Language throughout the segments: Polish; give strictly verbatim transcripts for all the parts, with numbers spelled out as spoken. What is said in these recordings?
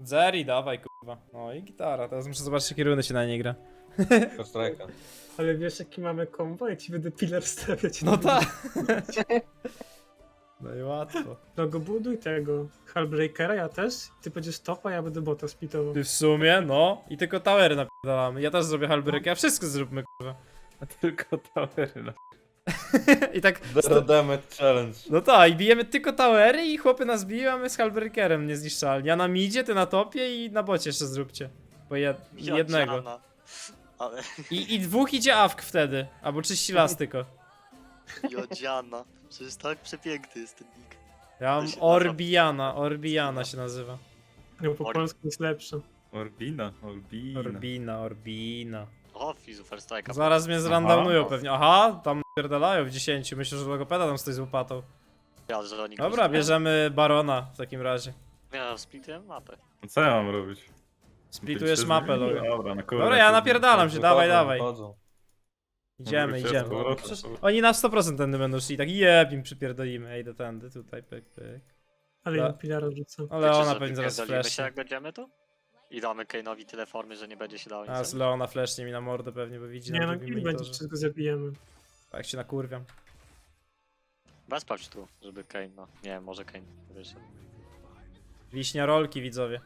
Zeri, dawaj kurwa. No i gitara, teraz muszę zobaczyć jakie runy się na niej gra. Kostrajka. Ale wiesz jaki mamy kombo, jak ci będę pilar stawiać. No tak. No i łatwo. No go buduj tego Hullbreakera, ja też. Ty będziesz topa, ja będę bota spitował. Ty w sumie, no. I tylko towery napierdalamy. Ja też zrobię Halbrykę, a wszystko zróbmy kurwa. A tylko towery. No. I tak... Zero damage challenge. No tak, i bijemy tylko towery i chłopy nas biją, a my z Halbreakerem niezniszczalni. Ja na midzie, ty na topie i na bocie jeszcze zróbcie. Po jed jednego. Jodziana. Ale I, I dwóch idzie awk wtedy. Albo czyści las tylko. Jodziana. Przecież tak przepiękny jest ten nick. Ja mam To się Orbiana, Orbiana się nazywa. No po Or- polsku jest lepsze. Orbina, Orbina. Orbina, Orbina. O, Fizu First Strike'a. Zaraz mnie zrandomują pewnie. Aha, tam pierdalają w dziesięciu. Myślę, że logopeda tam stoi z łopatą. Ja, że oni Dobra, kosztują. bierzemy Barona w takim razie. Ja splituję mapę. No co ja mam robić? Splitujesz Ty się mapę, zmieniło? logo. Dobra, na kurwa. Dobra, ja napierdalam się, dawaj, Wychodzą, dawaj. wychodzą. Idziemy, Mówię, idziemy. z powrotem, Przecież z powrotem. oni na sto procent tędy będą szli, tak jeb im przypierdolimy. Ej, do tędy, tutaj, pyk, pyk. Ale Da- ja pilara rzucę. Ale Wiecie, ona że pewnie zaraz wypierdolimy się flesznie. jak będziemy tu? I damy Kane'owi tyle formy, że nie będzie się dało nic A z zrobić. Leona flesznie mi na mordę pewnie, bo widzi Nie na no, drugim kill będzie, monitorze. wszystko zabijemy. Tak się nakurwiam. Bez sprawdź tu, żeby Kane, no. Nie wiem, może Kane wyszedł. Wiśnia rolki, widzowie.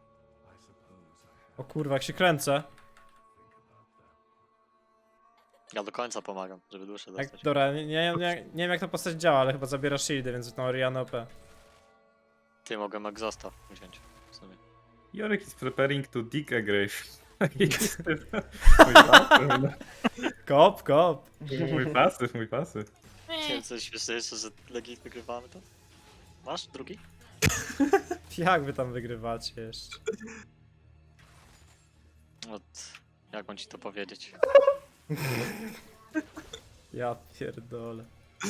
O kurwa, jak się kręcę. Ja do końca pomagam, żeby duszę Jak, dostać. dobra, nie, nie, nie, nie wiem jak ta postać działa, ale chyba zabiera shieldy, więc tą Orianę O P. Ty, mogę Exhausta wziąć w sumie. Jorek is preparing to dig a grave. Mój pasyw, Kop, kop. mój pasyw, mój pasyw. Chciałem coś śmieszniejsze, że legit wygrywamy to? Masz drugi? Jak wy tam wygrywacie jeszcze? Od... Jak mam ci to powiedzieć? Ja pierdolę.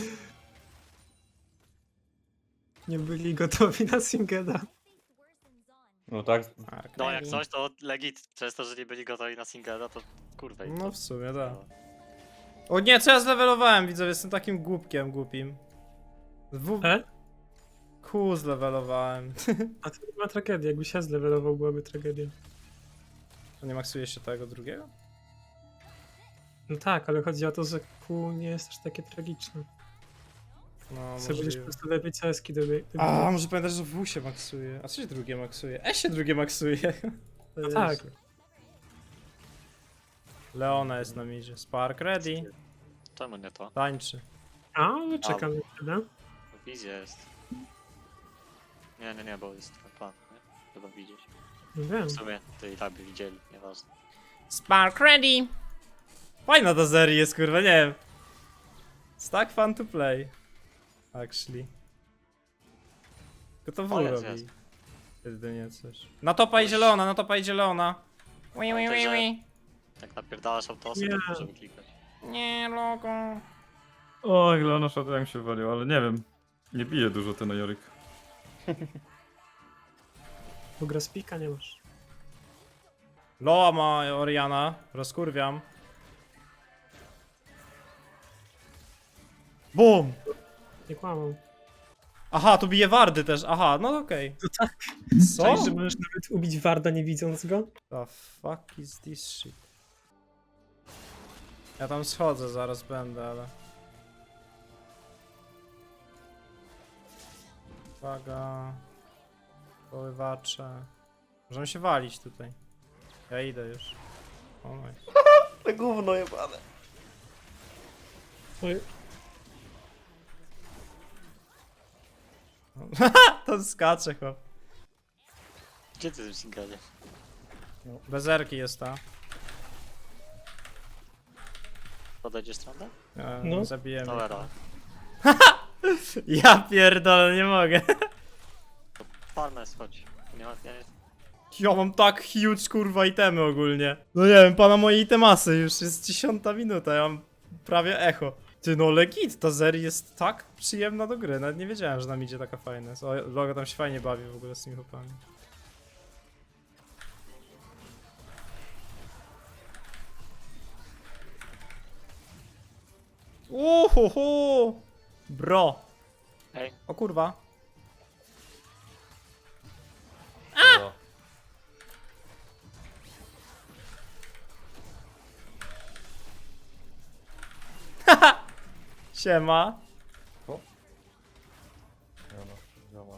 Nie byli gotowi na Singeda. No tak, Tak, No jak coś, to legit. Przez to, że nie byli gotowi na singla, to kurwa. i No to- w sumie tak. no. O nie, co ja zlewelowałem, widzowie, jestem takim głupkiem głupim. W... E? Q zlewelowałem. A to nie ma tragedii, jakby się zlevelował, byłaby tragedia. To nie maksuje się tego drugiego? No tak, ale chodzi o to, że Q nie jest aż takie tragiczne. No, Sobie będziesz możliwe. po prostu lepiej C S ki dobiegł. A, może pamiętasz, że W się maksuje. A co się drugie maksuje? E się drugie maksuje. No tak. Leona jest na midzie. Spark ready. Czemu nie to? Tańczy. A, no czekam na chwilę. Wizja jest. Nie, nie, nie, bo jest twój plan, nie? Trzeba widzieć. No wiem. W sumie to i tak by widzieli, nieważne. Spark ready. Fajna ta seria jest, kurwa, nie wiem. It's tak fun to play. Actually. Tylko to W O, jest, robi. jest. Jedynie coś. Na topa idzie Leona, na topa idzie Leona. Ui, ui, ui, ui. Jak napierdalasz autosy, Nie. to możemy klikać. Nie, logo. Oj, Leona Shadow mi się walił, ale nie wiem. Nie bije dużo ten Jorik. Bo gra spika nie masz. Loa ma Oriana, rozkurwiam. Bum! Nie kłamał. Aha, tu bije wardy też, aha, no okej. No tak. Co? Cześć, że możesz nawet ubić Warda nie widząc go? The fuck is this shit? Ja tam schodzę, zaraz będę, ale... Uwaga... Poływacze... Możemy się walić tutaj. Ja idę już. O mój. To gówno jebane. Oj, To skacze chłop. Gdzie ty tym singlem? Bezerki jest ta. Podejdziesz stronę? E, No. Zabijemy. Towera. Ja pierdolę, nie mogę. Farmę schodź. Nie ma, ja nie... Ja mam tak huge kurwa itemy ogólnie. No nie wiem, pana moje itemasy, już jest dziesiąta minuta, ja mam prawie echo. Ty no legit, ta seria jest tak przyjemna do gry, nawet nie wiedziałem, że nam idzie taka fajna jest. O, Logo tam się fajnie bawi w ogóle z tymi chłopami. Uhuhu! Bro! Ej, O kurwa. A! Siema. Ja no, działa.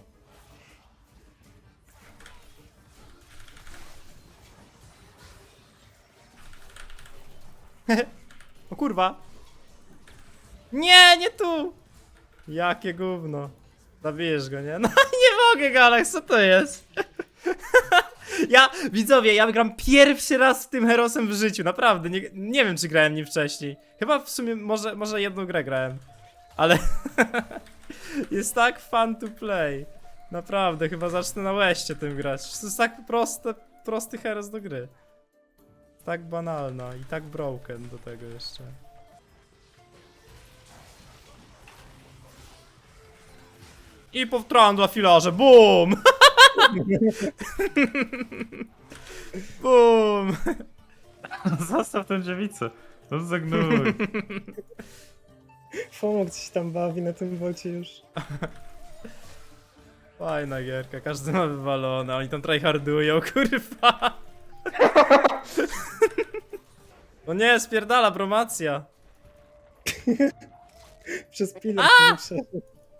O kurwa. Nie, nie tu. Jakie gówno. Zabijesz go, nie? No nie mogę, Galax, co to jest? Ja, widzowie, ja gram pierwszy raz z tym Herosem w życiu, naprawdę, nie, nie wiem czy grałem nim wcześniej. Chyba w sumie, może, może jedną grę grałem. Ale jest tak fun to play. Naprawdę, chyba zacznę na łeście tym grać. To jest tak proste, prosty Heros do gry. Tak banalna i tak broken do tego jeszcze. I powtórzyłem dla filarze, BUM! BUM! Zostaw tę dziewicę. No zagnój. Fomok coś tam bawi na tym bocie już. Fajna gierka, każdy ma wywalone, oni tam tryhardują, kurwa. No nie, spierdala promocja. Przez pilę przeszedł.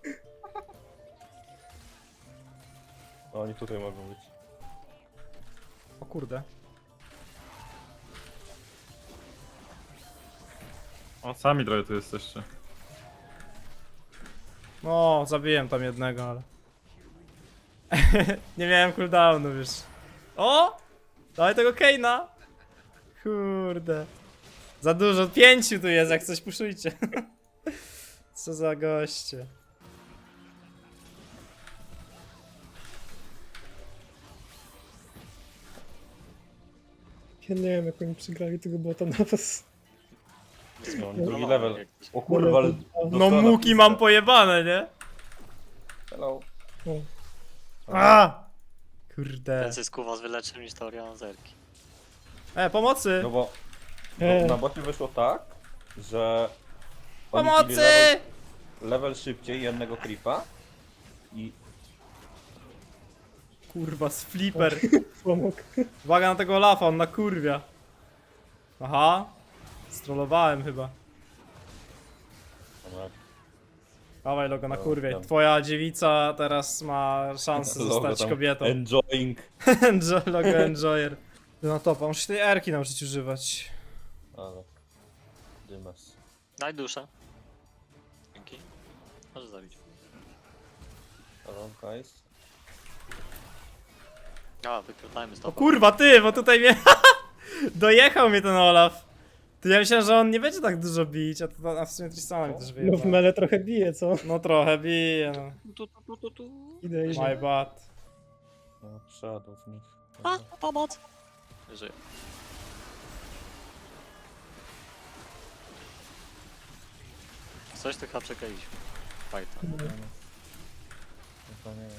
No, oni tutaj mogą być. O kurde. O, sami trochę tu jesteście. No, zabiłem tam jednego, ale... Nie miałem cooldownu już. O! Dawaj tego Kane'a! Kurde. Za dużo, pięciu tu jest, jak coś puszujcie. Co za goście. Ja nie wiem jak oni przegrali tego bota na was. No, No, drugi no, level. jak- O kurwa, ale... No dostała muki pizdę. mam pojebane, nie? Hello. O, A! Kurde. Więcej skuwa was wyleczy niż teoria Anzerki. E, pomocy! No bo E. no, na bocie wyszło tak, że oni bili Pomocy! level, level szybciej jednego creepa i Kurwa, z flipper. Fomok. Uwaga na tego Olafa, on na kurwia. Aha. Strollowałem chyba. no, Dawaj logo na No, kurwie. tam. Twoja dziewica teraz ma szansę logo zostać tam kobietą. enjoying. Enjo- logo enjoyer. No topa, muszę się tej erki nauczyć używać. Ale dymas. Daj duszę. Dzięki. Możesz zabić. Hello guys. A, wykrytajmy z O tobą. kurwa ty, bo tutaj mnie... Dojechał mnie ten Olaf. To ja myślałem, że on nie będzie tak dużo bić, a to a w sumie Tristana mi też No w wyjebał. mele trochę bije, co? No trochę bije, no. Tu, tu, tu, tu, tu. Idę, My idę. bad. No, Shadow w nich. A, pomoc! Żyję. Coś tu chyba przegraliśmy. Fajta. No, no to nie wiem.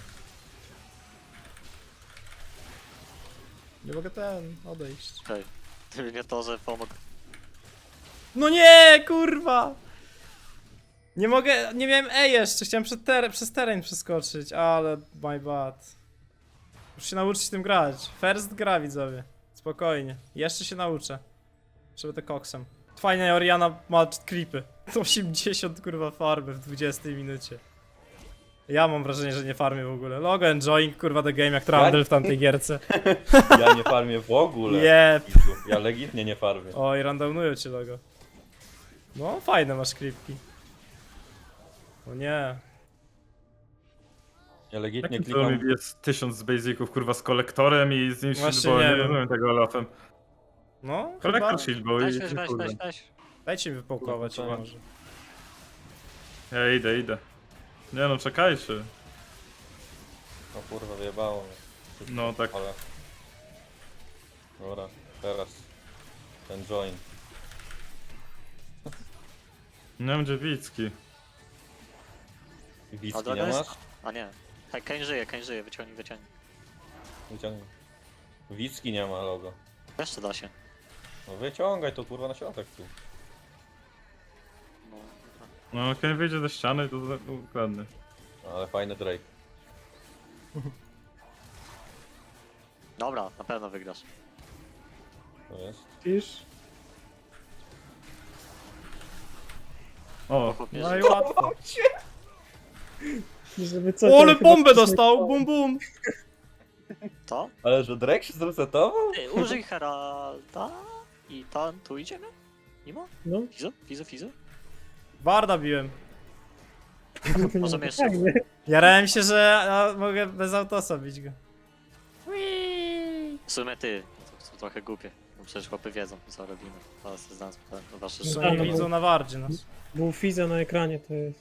Nie mogę ten, odejść. Okej. Gdyby nie to, że pomógł. No nie, kurwa! Nie mogę, nie miałem E jeszcze, chciałem przed ter przez teren przeskoczyć, ale my bad. Muszę się nauczyć tym grać. First gra, widzowie. Spokojnie. Jeszcze się nauczę. Żeby to koksem. Fajnie, Oriana ma creepy. osiemdziesiąt kurwa farmy w dwudziestej minucie. Ja mam wrażenie, że nie farmię w ogóle. Logo enjoying kurwa the game jak Trundle w tamtej gierce. Ja nie farmię w ogóle. Jep. Idzu. Ja legitnie nie farmię. Oj, randownują cię logo. No, fajne masz creepki. O nie. Ja legitnie Jakim to klikam. jest tysiąc z basiców, kurwa, z kolektorem i z nim Właśnie shieldball, nie nie wiem. rozumiem tego Olafem. No, chyba... Kolektor shieldball Weź, i weź, weź, kurde. weź, weź. Dajcie mi wypałkować Kurwa, może. Ja idę, idę. Nie no, czekajcie. No kurwa, wyjebało mnie. No tak. Ale... Dobra, teraz. Ten join. Nie wiem, dziewicki. A Wicki droga nie jest- masz? A nie. Hej, Kane żyje, Kane żyje, wyciągnij, wyciągnij. Wyciągnij. Wicki nie ma logo. Jeszcze da się. No wyciągaj to kurwa na środek tu. No, No, kiedy wyjdzie ze ściany, to za- ukradnę. No, ale fajny Drake. dobra, na pewno wygrasz. To jest. Pisz? O, Chłopie, No i że- łatwo. Żeby co, O, to ale chyba bombę coś dostał, nie- bum bum. To? Ale że Drake się zresetował? Ty, użyj Heralda i tam, tu idziemy? Mimo? No, Fizu? Fizu, Fizu? Warda biłem. to Może nie jeszcze. tak, nie? Jarałem się, że ja mogę bez autosa bić go. W sumie ty, to, to trochę głupie. Bo przecież chłopy wiedzą, co robimy. Teraz znam to wasze Że No, nie no, życie. widzą na wardzie nas. Był Fiza na ekranie, to jest.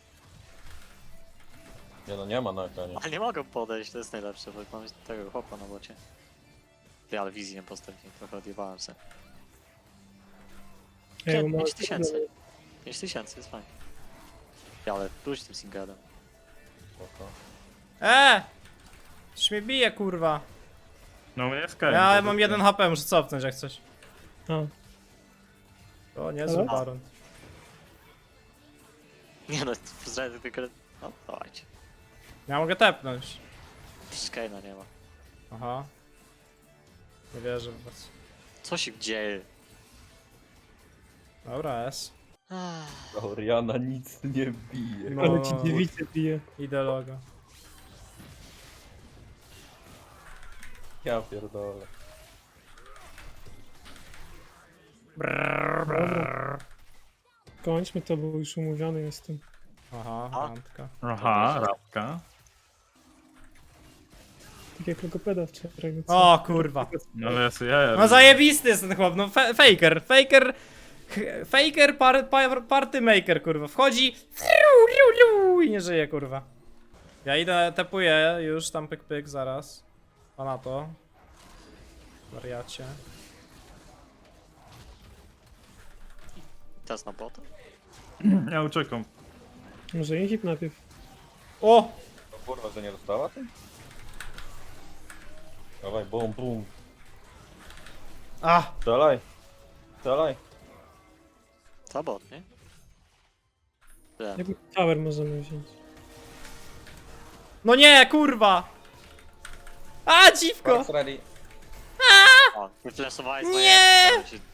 Nie no, nie ma na ekranie. Ale nie mogą podejść, to jest najlepsze, bo mam tego chłopa na bocie. Ty, ale wizji nie postawiłem, trochę odjebałem se. Ej, Nie, bo mały pięć tysięcy. problem. pięć tysięcy, jest fajnie. Ty, ale pójdź tym singledem. Spoko. E! Coś mnie bije, kurwa. no mnie Sky. Ja mam jeden H P, muszę cofnąć jak coś. A, O, niezły Ale? baron. Nie no, zdradzę tylko... No, dawajcie. Ja mogę tepnąć. Skaina nie ma. Aha. Nie wierzę w was. Co się dzieje? Dobra, S. Oriana nic nie bije. No. ale ci dziewice bije. Idę logo. Ja pierdolę. Brrr, brrr. Kończmy to, bo już umówiony jestem. Aha, A? randka. Aha, rapka. Tak jak logopeda wczoraj. no co? O, kurwa. No ale ja sobie jaja. No zajebisty jest ten chłop, no fe faker, faker, ch- faker, par, par, party maker, kurwa, wchodzi riu, riu, riu, i nie żyje, kurwa. Ja idę, tepuję już, tam pyk pyk, zaraz. A na to. Wariacie. Teraz na bota? Ja uciekam. Może Inhib najpierw. O! No kurwa, że nie dostała ty? Dawaj, bum, bum. A! Strzelaj. Strzelaj. To bot, nie? Wiem. Jakby tower możemy wziąć. No nie, kurwa! A, dziwko! Force ready. O, wyfleszowałeś Nie! moje... Się...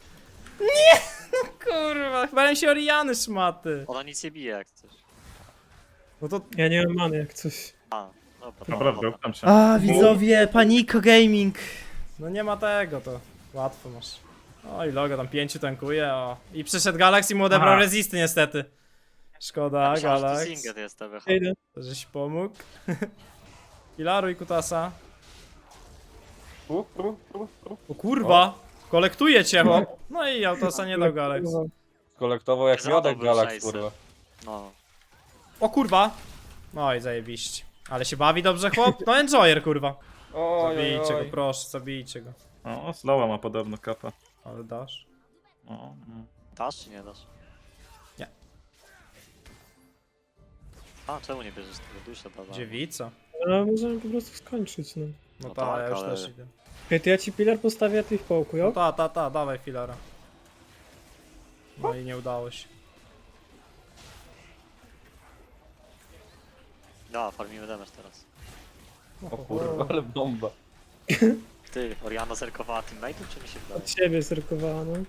Kurwa, bałem się Oriany szmaty. Ona nic nie bije jak coś. No to... Ja nie mam many jak coś. A, dobra. Naprawdę, uptam się. A, widzowie, Paniko Gaming. No nie ma tego, to łatwo masz. O i logo, tam pięciu tankuje, o. I przyszedł Galax i mu odebrał Aha. rezisty niestety. Szkoda, Myślałem, że to Galax. Singed jest T B H. Idę. Żeś pomógł. Pilaruj kutasa. U, u, u, u. O kurwa! Kolektuje cię, chłop. No i autosa nie dał Galax. Kolektował jak Zadał miodek był Galax, szajsy. kurwa. No. O kurwa! No i zajebiście. Ale się bawi dobrze chłop? No enjoyer kurwa. Oj, oj, Zabijcie go, oj. proszę, zabijcie go. O, Slowa ma podobno kapa. Ale dasz? O, no. Dasz czy nie dasz? Nie. A, czemu nie bierzesz tego dusza, baba? Dziewica. Ale możemy po prostu skończyć, no. No, No ta, tak, ja już ale- też idę. Ej, to ja ci pilar postawię, a ty ich połkuj, No jo? ta, ta, ta, dawaj filara. No i nie udało się. No, farmimy damage teraz. O kurwa, ale bomba. Ty, Oriana zerkowała teammate'ów, czy mi się wydaje? Od siebie zerkowała, no.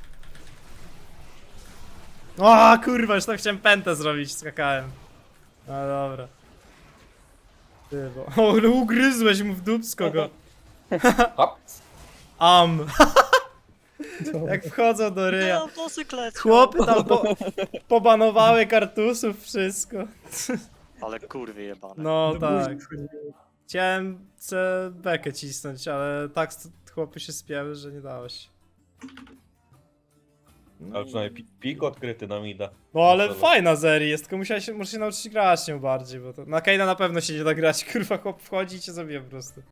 O kurwa, już tak chciałem pętę zrobić, skakałem. No dobra. Ty, bo... O, ale ugryzłeś mu w dupsko go. Hop. Am. To... Jak wchodzą do ryja. No, motocyklet! Chłopy tam po, pobanowały kartusów, wszystko. Ale kurwy jebane. No do tak. buzi wchodziły. Chciałem C bekę cisnąć, ale tak st- chłopy się spięły, że nie dało się. Ale przynajmniej pi- pik odkryty na mida. No ale Dobra. fajna seria jest, tylko musiałeś, muszę się nauczyć grać nią bardziej, bo to na Kane'a na pewno się nie da grać, kurwa chłop wchodzi i cię zabije po prostu.